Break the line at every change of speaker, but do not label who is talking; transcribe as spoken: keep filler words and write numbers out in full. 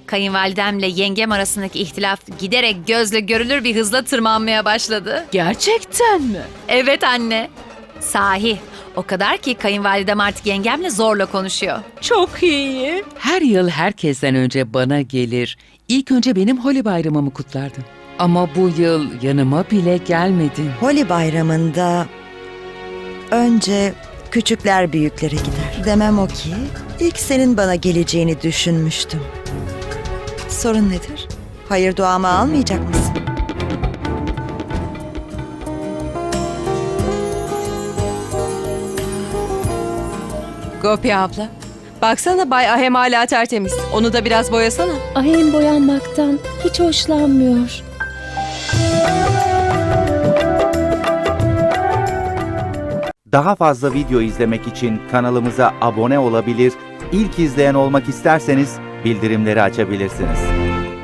Kayınvalidemle yengem arasındaki ihtilaf giderek gözle görülür bir hızla tırmanmaya başladı.
Gerçekten mi?
Evet anne. Sahi. O kadar ki kayınvalidem artık yengemle zorla konuşuyor.
Çok iyi.
Her yıl herkesten önce bana gelir. İlk önce benim Holi bayramımı kutlardın. Ama bu yıl yanıma bile gelmedin.
Holi bayramında önce küçükler büyüklere gider. Demem o ki ilk senin bana geleceğini düşünmüştüm. Sorun nedir? Hayır duamı almayacak mısın?
Gopi abla. Baksana Bay Ahem hala tertemiz. Onu da biraz boyasana.
Ahem boyanmaktan hiç hoşlanmıyor.
Daha fazla video izlemek için kanalımıza abone olabilir, ilk izleyen olmak isterseniz bildirimleri açabilirsiniz.